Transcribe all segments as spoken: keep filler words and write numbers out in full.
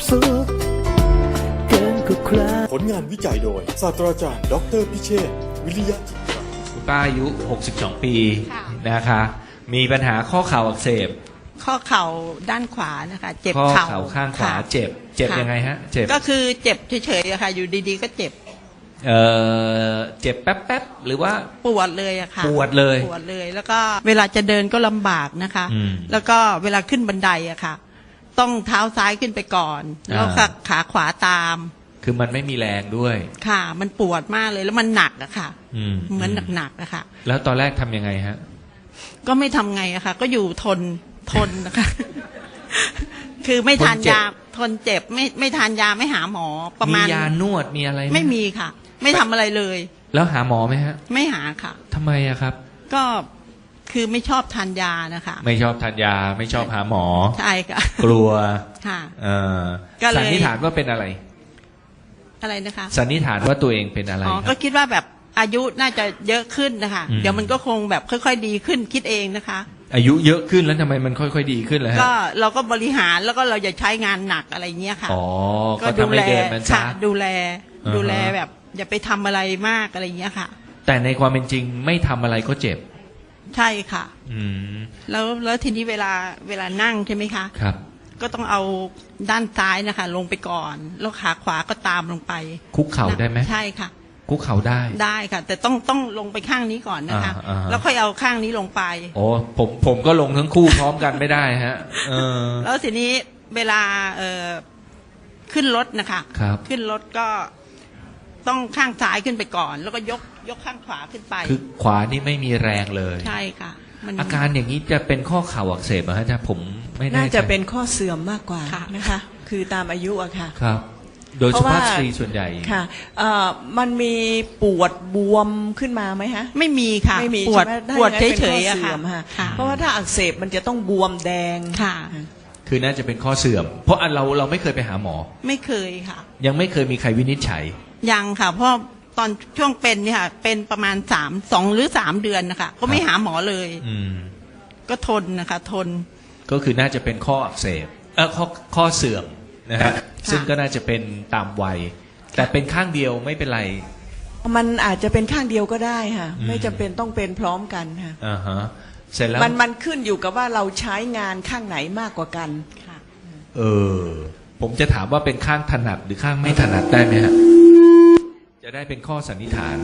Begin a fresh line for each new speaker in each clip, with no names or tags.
สุขเกินกว่าใคร
ผลงานวิจัยโดยศาสตราจารย์ดอกเตอรพิเชษฐ์วิริยะจิตรา
คุณป้าอายุหกสิบสองปี
ค่ะ
นะคะ มีปัญหาข้อเข่าอักเสบ
ข้อเข่าด้านขวานะคะเจ็บ
ข้อ
เข่า
เข่าข้างขวา
ค่ะ
เจ็บ เจ็บ
ค่ะ
ยังไงฮะ เจ็บ
ก็คือเจ็บเฉยๆอะค่ะ อยู่ดีๆก็เจ็บ
เออเจ็บแป๊บๆ หรือว่า
ปวดเลยอะค่ะ
ปวดเลย
ปวดเลย แล้วก็เวลาจะเดินก็ลำบากนะคะ
อืม
แล้วก็เวลาขึ้นบันไดอะค่ะ ต้องเท้าซ้ายขึ้นไปก่อน แล้วก็
อ่า
ขาขวาตาม
คือมันไม่มีแรงด้วย
ค่ะ มันปวดมากเลยแล้วมันหนักอะค่ะ
อืม
เหมือนหนักๆอะค่ะ
แล้วตอนแรกทำยังไงฮะ
ก็ไม่ทำไงอะค่ะ ก็อยู่ทนทนนะคะ คือไม่ทาน
ทนเจ็บ
ยาทนเจ็บไม่ไม่ทานยาไม่หาหมอประมาณ
ยานวดมีอะไรห
ไม่มีค่ะ ไม่ทำอะไรเลย
แล้วหาหมอไหมฮะ
ไม่หาค่ะ
ทำไมอะครับ
ก็คือไม่ชอบทานยานะคะ
ไม่ชอบทานยา ไม่ชอบหาหมอ
ใช่ค่ะ
กลัว
ค่ะ
เออ
ก็เลย
สันนิษฐานว่าเป็นอะไร
อะไรนะคะ
สันนิษฐานว่าตัวเองเป็นอะไร
อ๋อ
ค
ก็
รับ
คิดว่าแบบอายุน่าจะเยอะขึ้นนะคะ
อืม
เดี๋ยวมันก็คงแบบค่อยๆดีขึ้นคิดเองนะคะ
อายุเยอะขึ้นแล้วทำไมมันค่อยๆดีขึ้นเลยฮะ
ก็เราก็บริหารแล้วก็เราอย่าใช้งานหนักอะไรเงี้ยค่ะ
อ๋อ ก็ทำให้เดินมัน
ค่ะ
ช้า
ดูแล
อ่าฮะ
ดูแลแบบ อย่าไปทำอะไรมากอะไรเงี้ยค่ะ
แต่ในความเป็นจริงไม่ทำอะไรก็เจ็บ
ใช่ค่ะ
อืม
แล้วแล้วทีนี้เวลาเวลานั่งใช่ไหมคะ
ครับ
ก็ต้องเอาด้านซ้ายนะคะ ลงไปก่อน แล้วขาขวาก็ตามลงไป
คุกเข่าได้ไหม
ใช่ค่ะ
คุกเข่าได้
ได้ค่ะ แต่ต้องต้องลงไปข้างนี้ก่อนนะคะ
อ่าอ่าฮะ
แล้วค่อยเอาข้างนี้ลงไป
โอ้ผมผมก็ลงทั้งคู่พร้อมกันไม่ได้ฮะ เออ
แล้วทีนี้เวลาเอ่อขึ้นรถนะคะ
ครับ
ขึ้นรถก็ต้องข้างซ้ายขึ้นไปก่อน แล้วก็ยกยกข้างขวาขึ้นไป
คือขวานี่ไม่มีแรงเลย
ใช่ค่ะมัน
อาการอย่างนี้จะเป็นข้อเข่าอักเสบเหรอฮะอาจารย์ผมไม่แน่ใจ
น่าจะเป็นข้อเสื่อมมากกว่า
ค่ะ
นะคะ คือตามอายุอะค่ะ
ครับ โดย
เพ
สุ
ราะว่า
ภาพสตรีส่วนใหญ่
ค่ะเอ่อมันมีปวดบวมขึ้นมาไหมฮะ
ไม่มีค่ะ
ไม่มี
ปวด
ใช่ไหมถ้า
ปวด
อย่างนั้น
เฉ
เป็น
ยๆ
ข้อ
อะ
เสื่
ค่ะ
อมค่ะ
ค่ะ
เพราะว่าถ้าอักเสบมันจะต้องบวมแดง
ค่ะ
คือน่าจะเป็นข้อเสื่อม เพราะอันเราเราไม่เคยไปหาหมอ
ไม่เคยค่ะ
ยังไม่เคยมีใครวินิจฉัย
ยังค่ะ เพราะตอนช่วงเป็นเนี่ยค่ะ เป็นประมาณสามสองหรือสามเดือนนะคะ ก็ไม่
ครับ
หาหมอเลย
อืม
ก็ทนนะคะ ทน
ก็คือน่าจะเป็นข้ออักเสบเออข้อข้อเสื่อมนะฮะซึ่งก็น่าจะเป็นตามวัย แต่เป็นข้างเดียวไม่เป็นไร
มันอาจจะเป็นข้างเดียวก็ได้ค่ะ
อืม
ไม่จำเป็นต้องเป็นพร้อมกันค่ะ
อ่าฮะเสร็จแล้ว
มันมันขึ้นอยู่กับว่าเราใช้งานข้างไหนมากกว่ากัน
ค่ะ
เออ ผมจะถามว่าเป็นข้างถนัดหรือข้างไม่ถนัดได้ไหมฮะ จะได้เป็นข้อสันนิษฐาน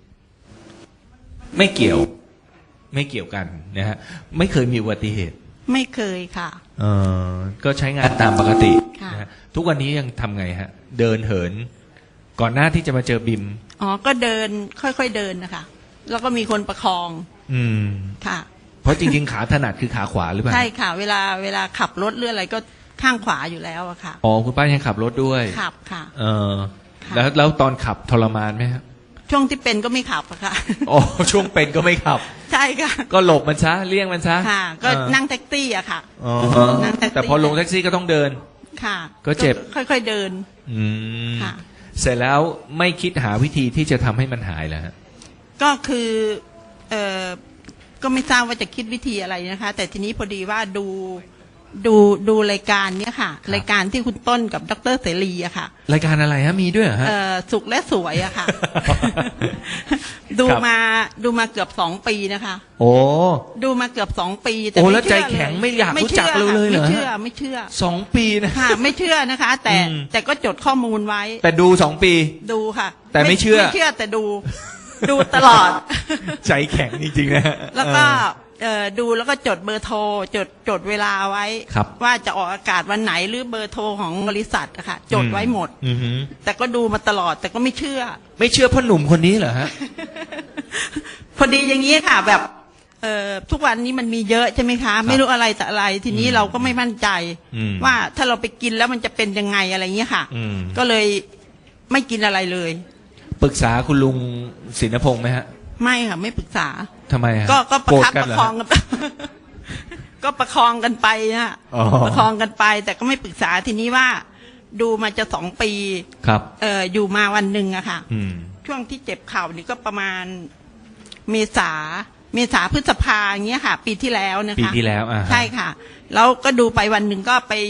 ไม่เกี่ยว ไม่เกี่ยวกันนะฮะไม่เคยมีอุบัติเหตุ
ไม่เคยค่ะ
เออก็ใช้งานตามปกติ
ค่ะ
นะฮะทุกวันนี้ยังทำไงฮะ เดินเหิน ก่อนหน้าที่จะมาเจอบิม
อ๋อ ก็เดินค่อยๆเดินนะคะ แล้วก็มีคนประคอง
อืม
ค่ะ
เพราะจริงๆ ขาถนัดคือขาขวาหรือเปล่า
ใช่ค่ะ เวลาเวลาขับรถหรืออะไรก็ข้างขวาอยู่แล้วอะค่ะ
อ๋อคุณป้ายังขับรถด้วย
ขับค่ะ
เออ
ค่ะ
แล้วแล้วตอนขับทรมานไหมฮะ
ช่วงที่เป็นก็ไม่ขับอะค่ะ
อ๋อช่วงเป็นก็ไม่ขับ
ใช่ค่ะ
ก็หลบมันซะเลี่ยงมันซะ
ค่ะ ก็
เออ
นั่งแท็กซี่อะค่ะ
อ๋อ
นั่งแท็กซี่
แต่พอลงแท็กซี่ก็ต้องเดิน
ค่ะ
ก็เจ็บ
ค่อยๆเดิน
อืม
ค่ะ
เสร็จแล้วไม่คิดหาวิธีที่จะทำให้มันหายแล้วฮะ
ก็คือเออก็ไม่ทราบว่าจะคิดวิธีอะไรนะคะ แต่ทีนี้พอดีว่าดูดูดูรายการเนี้ยค่ะ รายการที่คุณต้นกับดรเสรีอะค่ะ
รายการอะไรฮะมีด้วยเหรอฮะ
เออสุขและสวยอะ ค่ะ ดู
ครับ
มาดูมาเกือบสองปีนะคะ
โอ้
ดูมาเกือบสองปีแต่
โอ้
ไม่
แล้วใจ
เชื่อ
แข็ง
เ
ไม่อยากรู้จักเราเลยเหรอ
ไม่
ฮะ
เชื่อไม่เชื่อ
สองปีนะ
ค่ะ ไม่เชื่อนะคะ แต่
อืม
แต่ก็จดข้อมูลไว้
แต่ดูสองปี
ดูค่ะ
แต่ไม่เชื่อ
ไม่เชื่อแต่ดู ดูตลอด
ใจแข็งจริงๆนะฮะ
แล้วก็
เออ
เอ่อดูแล้วก็จดเบอร์โทรจดจดเวลาไว้
ครับ
ว่าจะออกอากาศวันไหนหรือเบอร์โทรของบริษัทอะค่ะจดไว้หมด
อือหือ
แต่ก็ดูมาตลอดแต่ก็ไม่เชื่อ
ไม่เชื่อพ่อหนุ่มคนนี้เหรอฮะ
พอดีอย่างนี้ค่ะ แบบเอ่อทุกวันนี้มันมีเยอะใช่ไหมคะ ไม่รู้อะไรแต่อะไร ทีนี้
อืม
เราก็ไม่มั่นใจ
อืม
ว่าถ้าเราไปกินแล้วมันจะเป็นยังไงอะไรเงี้ยค่ะ
อืม
ก็เลยไม่กินอะไรเลย
ปรึกษาคุณลุงศินพงษ์ไหมฮะ
ไม่ค่ะไม่ปรึกษา
ทำไมฮะ
ก็ก็ประ
โกรธ
คับ
กั
ป
นเหร
ระ
อ
คอง
ฮะ
กัน ก็ประคองกันไปนะ
อ๋อ
ประคองกันไป แต่ก็ไม่ปรึกษาทีนี้ว่า ดูมาจะสองปี
ครับ
เอ่ออยู่มาวันหนึ่งอะค่ะ
อืม
ช่วงที่เจ็บเข่านี่ก็ประมาณเมษาเมษาพฤษภาอย่างเงี้ยค่ะ ปีที่แล้วนะคะ
ปีที่แล้วอ่าฮะ
ใช่ค่ะ แล้วก็ดูไปวันหนึ่งก็ไป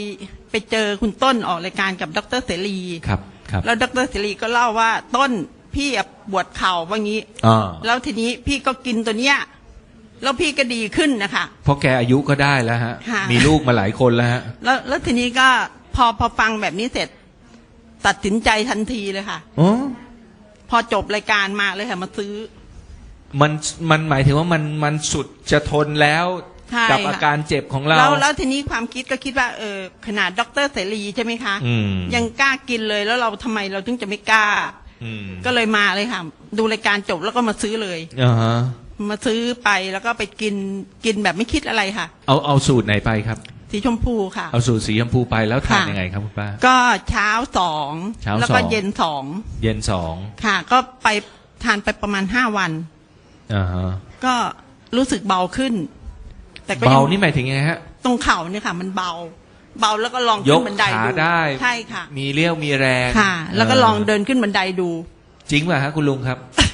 ไปเจอคุณต้นออกรายการกับดรเสรี
ครับครับ
แล้วดรเสรีก็เล่าว่าต้นพี่อะปวดเข่าว่างี้
อ่า
แล้วทีนี้พี่ก็กินตัวเนี้ยแล้วพี่ก็ดีขึ้นนะคะ
เพราะแกอายุก็ได้แล้วฮะ
ค่ะ
มีลูกมาหลายคนแล้วฮะ
แล้วแล้วทีนี้ก็พอพอฟังแบบนี้เสร็จ ตัดสินใจทันทีเลยค่ะ
อ๋อ
พอจบรายการมาเลยค่ะมาซื้อ
มันมันหมายถึงว่ามันมันสุดจะทนแล้ว
ใช่
กับ
ค่ะ
อาการเจ็บของเรา
แล้วแล้วทีนี้ความคิดก็คิดว่าเออขนาดดรเสรีใช่ไหมคะ
อืม
ยังกล้ากินเลยแล้วเราทำไมเราถึงจะไม่กล้า
อืม
ก็เลยมาเลยค่ะ ดูรายการจบแล้วก็มาซื้อเลย
อ่าฮะ
มาซื้อไปแล้วก็ไปกินกินแบบไม่คิดอะไรค่ะ
เอาเอาสูตรไหนไปครับ
สีชมพูค่ะ
เอาสูตรสีชมพูไปแล้วทาน
ค่ะ
ยังไงครับคุณป้า
ก็เช้าสอง
เช้า
แล้วก็
สอง
เย็นสอง
เย็นสอง
ค่ะ ก็ไปทานไปประมาณห้าวัน
อ่าฮะ
ก็รู้สึกเบาขึ้น แต่ก็
เบา
ยัง
นี่หมายถึงไงฮะ
ตรงเข่าเนี่ยค่ะ มันเบา เบาแล้วก็ลอง
ย
ขึ้
ก
นบันได
ขา
ดู
ได้
ใช่ค่ะ
มีเรี่ยวมีแรง
ค่ะ แล้วก็ลองเดินขึ้นบันไดดู
จริงป่ะฮะคุณลุงครับ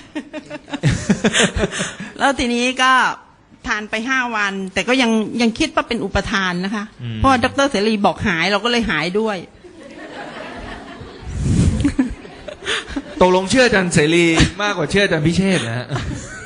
แล้วทีนี้ก็ทานไปห้าวัน แต่ก็ยังยังคิดว่าเป็นอุปทานนะคะ
อืม
เพราะว่าดรเสรีบอกหายเราก็เลยหายด้วย
ตกลงเชื่ออาจันเสรีมากกว่าเชื่ออาจันพิเชษฐ์นะฮะ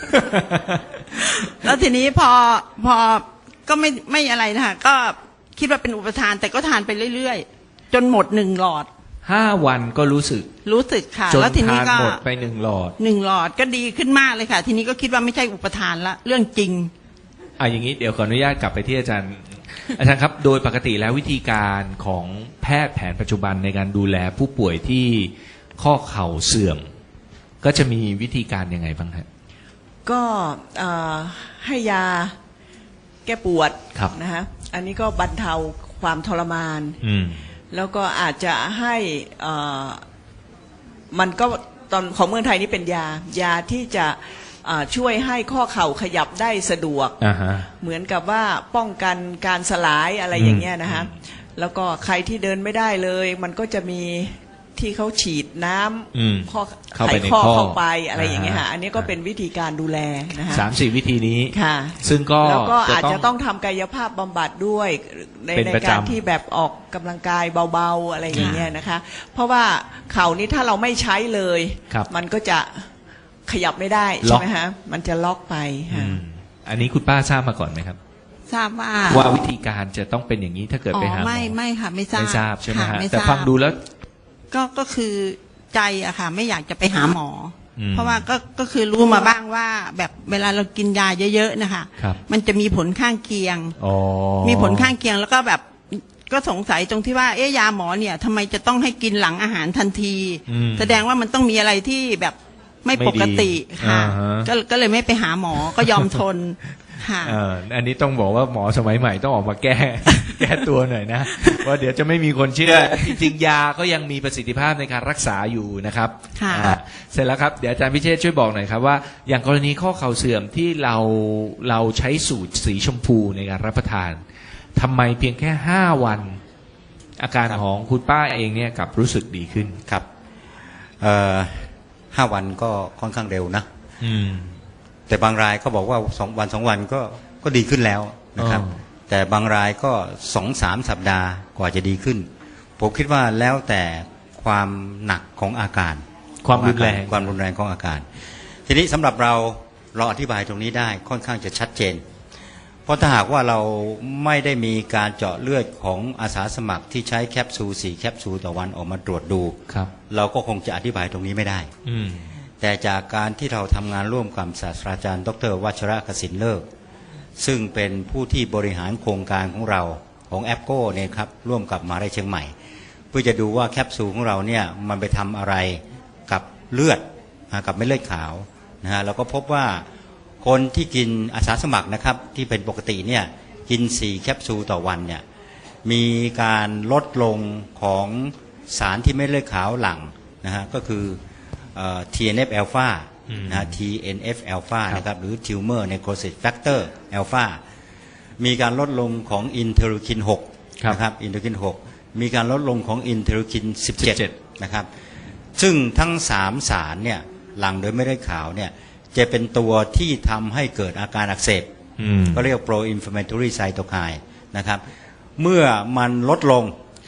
แล้วทีนี้พอพอก็ไม่ไม่อะไรนะคะก็คิดว่าเป็นอุปทาน แต่ก็ทานไปเรื่อยๆ จนหมดหนึ่งหลอด
ห้าวันก็รู้สึก
รู้สึกค่ะ
จน
แล้วทีนี้
ทาน
ก็
หมดไปหนึ่งหลอด
หนึ่งหลอดก็ดีขึ้นมากเลยค่ะ ทีนี้ก็คิดว่าไม่ใช่อุปทานละเรื่องจริง
อ่ะอย่างนี้เดี๋ยวขออนุญาตกลับไปที่อาจารย์ อาจารย์ครับ โดยปกติแล้ววิธีการของแพทย์แผนปัจจุบันในการดูแลผู้ป่วยที่ข้อเข่าเสื่อม ก็จะมีวิธีการยังไงบ้างครับ
ก็เอ่อให้ยาแก้ปวด
ครับ
นะฮะอันนี้ก็บรรเทาความทรมาน
อืม
แล้วก็อาจจะให้เอ่อมันก็ตอนของเมืองไทยนี่เป็นยายาที่จะเอ่อช่วยให้ข้อเข่าขยับได้สะดวก
อ่าฮะ
เหมือนกับว่าป้องกันการสลายอะไรอย่างเงี้ยนะฮะแล้วก็ใครที่เดินไม่ได้เลย มันก็จะมีที่เขาฉีดน้
อืม
ำข้อ
เข้า
ไข
ไปใน
ข้อ
ข้อ
เข้าไปอะไรอย่างเงี้ย
อ่า
ค่ะ
ฮะ
อันนี้ก็เป็นวิธีการดูแลนะฮะ
สามสี่วิธีนี้
ค่ะ
ซึ่งก็
แล้วก็
จะ
อาจ
ต้อง
จะต้องทำกายภาพบำบัดด้วยใน
เป็น
ใน
ประจำ
การที่แบบออกกำลังกายเบาๆอะไรอย่างเงี้ยนะคะ เพราะว่าเข่านี้ถ้าเราไม่ใช้เลย
ครับ
มันก็จะขยับไม่ได้
ล็
ใช่
อก
ไหมฮะมันจะล็อกไป
อื
ค่ะ
มอันนี้คุณป้าทราบมาก่อนไหมครับ
ทราบว่า
ว่าวิธีการจะต้องเป็นอย่างนี้ถ้าเกิด
อ๋
ไป
อ
หาหมอ
ไม่ไม่ค่ะ ไม่ทราบ
ไม่ทราบใช่ไหม
ค่
ฮะ
ไม่
แต่
ทราบ
ฟังดูแล้ว
ก็ก็คือใจอะค่ะ ไม่อยากจะไปหาหมออ
ม
เพราะว่าก็ก็คือรู้มาบ้างว่า แบบเวลาเรากินยาเยอะๆนะคะ
ครับ
มันจะมีผลข้างเคียง
อ๋อ
มีผลข้างเคียงแล้วก็แบบก็สงสัยตรงที่ว่าเอ๊ะยาหมอเนี่ยทำไมจะต้องให้กินหลังอาหารทันที
อืม
แสดงว่ามันต้องมีอะไรที่แบบไม่ปกติ
ไม่ดี
ค่ะ
อ่าฮะ
ก็ก็เลยไม่ไปหาหมอก็ยอมทนค่ะ
เอออันนี้ต้องบอกว่าหมอสมัยใหม่ต้องออกมาแก้ แก้ตัวหน่อยนะว่าเดี๋ยวจะไม่มีคนเชื่อ จริงๆยาก็ยังมีประสิทธิภาพในการรักษาอยู่นะครับ
ค่ะ
อ่าเสร็จแล้วครับเดี๋ยวอาจารย์พิเชษช่วยบอกหน่อยครับว่าอย่างกรณีข้อเข่าเสื่อมที่เราเราใช้สูตรสีชมพูในการรับประทานทำไมเพียงแค่ห้าวัน อาการของคุณป้าเองเนี่ยกลับรู้สึกดีขึ้น
ครับเอ่อห้าวันก็ค่อนข้างเร็วนะ
อืม
แต่บางรายก็บอกว่าสองวันสองวันก็ก็ดีขึ้นแล้วนะครับ
อ๋อ
แต่บางรายก็สองสามสัปดาห์กว่าจะดีขึ้น ผมคิดว่าแล้วแต่ความหนักของอาการ
ความรุนแรง
ความรุนแรงของอาการ ทีนี้สำหรับเราเราอธิบายตรงนี้ได้ค่อนข้างจะชัดเจน เพราะถ้าหากว่าเราไม่ได้มีการเจาะเลือดของอาสาสมัครที่ใช้แคปซูลสี่แคปซูลต่อวันออกมาตรวจดู
ครับ
เราก็คงจะอธิบายตรงนี้ไม่ได้
อืม
แต่จากการที่เราทำงานร่วมกับศาสตราจารย์ดรวัชระกสินเลิกซึ่งเป็นผู้ที่บริหารโครงการของเราของแอปโก้เนี่ยครับร่วมกับมหาวิทยาลัยเชียงใหม่ เพื่อจะดูว่าแคปซูลของเราเนี่ยมันไปทำอะไรกับเลือดนะกับเม็ดเลือดขาวนะฮะเราก็พบว่าคนที่กินอาสาสมัครนะครับที่เป็นปกติเนี่ยกินสี่แคปซูลต่อวันเนี่ยมีการลดลงของสารที่เม็ดเลือดขาวหลั่งนะฮะก็คือที เอ็น เอฟ alpha
อืม
นะฮะ ที เอ็น เอฟ alpha
ครับ
นะครับหรือ tumor necrosis factor alpha มีการลดลงของอินเทอร์คินหก
ครับ
นะครับอินเทอร์คินหกมีการลดลงของอินเทอร์คินสิบเจ็ด
สิบเจ็ด
นะครับซึ่งทั้งสามสารเนี่ยหลั่งโดยไม่ได้ขาวเนี่ยจะเป็นตัวที่ทำให้เกิดอาการอักเสบ
อืม
ก็เรียก pro inflammatory cytokine นะครับเมื่อมันลดลง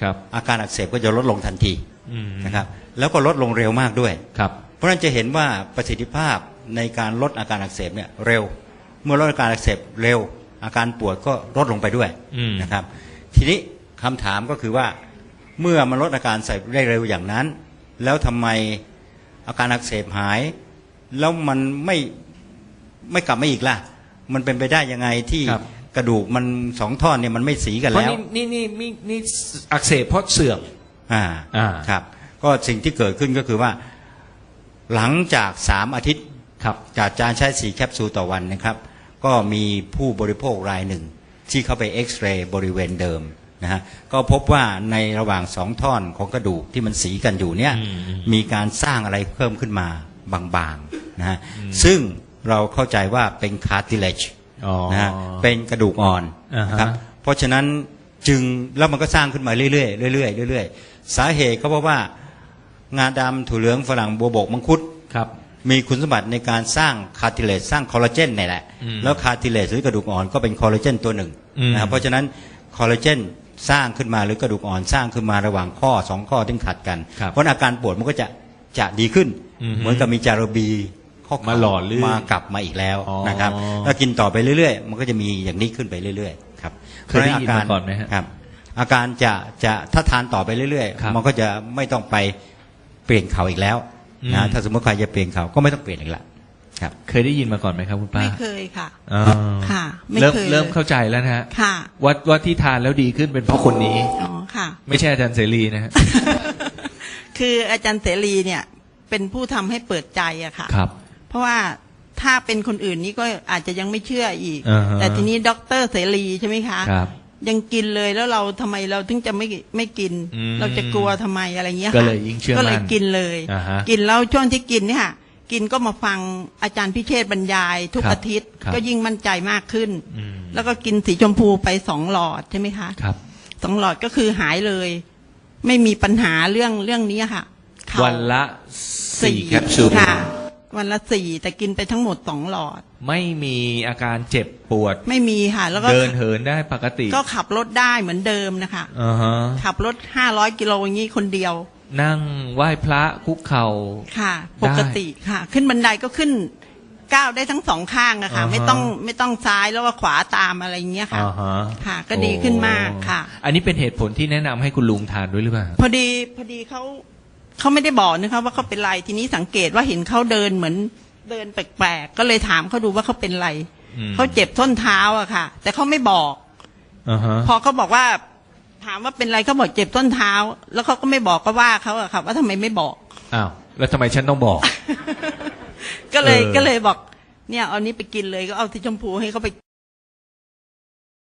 ครับ
อาการอักเสบก็จะลดลงทันที
อืม
นะครับแล้วก็ลดลงเร็วมากด้วย
ครับ
เพราะฉะนั้นจะเห็นว่าประสิทธิภาพในการลดอาการอักเสบเนี่ยเร็ว เมื่อลดอาการอักเสบเร็ว อาการปวดก็ลดลงไปด้วย
อืม
นะครับทีนี้คำถามก็คือว่าเมื่อมันลดอาการอักเสบได้เร็วอย่างนั้น แล้วทำไมอาการอักเสบหาย แล้วมันไม่ไม่กลับมาอีกล่ะ มันเป็นไปได้ยังไงที่
ครับ
กระดูกมันสองท่อนเนี่ยมันไม่สีกัน
เพราะ
แล้ว
นี่นี่นี่นี่นี่อักเสบเพราะเสื่อม
อ่า
อ่า
ครับก็สิ่งที่เกิดขึ้นก็คือว่า หลังจากสามอาทิตย์
ครับ
จากการใช้สี่แคปซูลต่อวันนะครับ ก็มีผู้บริโภครายหนึ่ง ที่เข้าไปเอ็กซเรย์บริเวณเดิมนะฮะก็พบว่าในระหว่างสองท่อนของกระดูกที่มันสีกันอยู่เนี่ย
อืมอืม
มีการสร้างอะไรเพิ่มขึ้นมาบางๆนะฮะซึ่งเราเข้าใจว่าเป็น cartilage
อ๋อ
นะฮะเป็นกระดูกอ่อน
อ่าฮะ
นะครับเพราะฉะนั้นจึงแล้วมันก็สร้างขึ้นมาเรื่อยๆเรื่อยๆเรื่อยๆสาเหตุก็เพราะว่างาดำถั่วเหลืองฝรั่งบัวบกมังคุด
ครับ
มีคุณสมบัติในการสร้างคาร์ติเลจสร้างคอลลาเจนนี่แหละ
อืม
แล้วคาร์ติเลจหรือกระดูกอ่อนก็เป็นคอลลาเจนตัวหนึ่ง
อืม
นะครับเพราะฉะนั้นคอลลาเจนสร้างขึ้นมาหรือกระดูกอ่อนสร้างขึ้นมาระหว่างข้อสองข้อที่ขัดกัน
ครับ
เพราะอาการปวดมันก็จะจะดีขึ้น
อืม
เหมือนกับมีจารบีข้อเข่
มาหล่อลื่น
มากลับมาอีกแล้ว
อ๋อ
นะครับถ้ากินต่อไปเรื่อยๆ มันก็จะมีอย่างนี้ขึ้นไปเรื่อยๆครับ
เคยได้ยินมาก่อนไหมฮะ
ครับอาการจะจะถ้าทานต่อไปเรื่อย
ครับ
ๆ มันก็จะไม่ต้องไปเปลี่ยนเขาอีกแล้ว
อืม
นะถ้าสมมติใครจะเปลี่ยนเขาก็ไม่ต้องเปลี่ยนอีกละครับ
เคยได้ยินมาก่อนไหมครับคุณป้า
ไม่เคยค่ะ
อ๋อ
ค่ะไม่
เริ่ม
เคย
เริ่ม
เลย
เข้าใจแล้วนะฮะ
ค่ะ
ว่าว่าที่ทานแล้วดีขึ้นเป็นเพราะคนนี้
อ๋อค่ะ
ไม่ใช่อาจารย์เสรีนะฮะ
คืออาจารย์เสรีเนี่ยเป็นผู้ทำให้เปิดใจอะค่ะ
ครับ
เพราะว่าถ้าเป็นคนอื่นนี่ก็อาจจะยังไม่เชื่ออีก
อ่าฮะ
แต่ทีนี้ด็อกเตอร์เสรีใช่ไหมคะ
ครับ
ยังกินเลยแล้วเราทำไมเราถึงจะไม่ไม่กิน
อืม
เราจะกลัวทำไมอะไรเงี้ย
ก็
ค่ะ
เลยยิ่งเชื่อมั่น
ก็เลยกินเลย
อ่าฮะ
กินแล้วช่วงที่กินเนี่ยค่ะกินก็มาฟังอาจารย์พิเชษฐ์บรรยายทุก
ครับ
อาทิตย์
ครับ
ก็ยิ่งมั่นใจมากขึ้น
อืม
แล้วก็กินสีชมพูไปสองหลอดใช่ไหมคะ
ครับ
สองหลอดก็คือหายเลย ไม่มีปัญหาเรื่องเรื่องนี้ค่ะเข่า
วันละสี่แคปซูล
ค่ะ วันละสี่แต่กินไปทั้งหมดสองหลอด
ไม่มีอาการเจ็บปวด
ไม่มีค่ะ แล้วก็
เดินเหินได้ปกติ
ก็ขับรถได้เหมือนเดิมนะคะ
อ่าฮะ
ขับรถห้าร้อยกิโลอย่างนี้คนเดียว
นั่งไหว้พระคุกเข่า
ค่ะ
ได้
ปกติค่ะ ขึ้นบันไดก็ขึ้นก้าวได้ทั้งสองข้างอะค่ะ
อ่าฮะ
ไม่ต้องไม่ต้องซ้ายแล้วก็ขวาตามอะไรอย่างเงี้ยค่ะ
อ่าฮะ
ค่ะ ก็ดีขึ้นมากค่ะ
โอ้อันนี้เป็นเหตุผลที่แนะนำให้คุณลุงทานด้วยหรือเปล่า
พอดีพอดีเขาเขาไม่ได้บอกนะคะว่าเขาเป็นไรทีนี้สังเกตว่าเห็นเขาเดินเหมือนเดินแปลกๆก็เลยถามเขาดูว่าเขาเป็นไร
อืม
เขาเจ็บส้นเท้าอะค่ะ แต่เขาไม่บอก
อ่าฮะ
พอเขาบอกว่าถามว่าเป็นไรเขาบอกเจ็บต้นเท้า แล้วเขาก็ไม่บอกก็ว่าเขาอะค่ะว่าทำไมไม่บอก
อ้าวแล้วทำไมฉันต้องบอก
ก็เลย
เออ
ก็เลยบอก เนี่ยเอานี้ไปกินเลยก็เอาสีชมพูให้เขาไป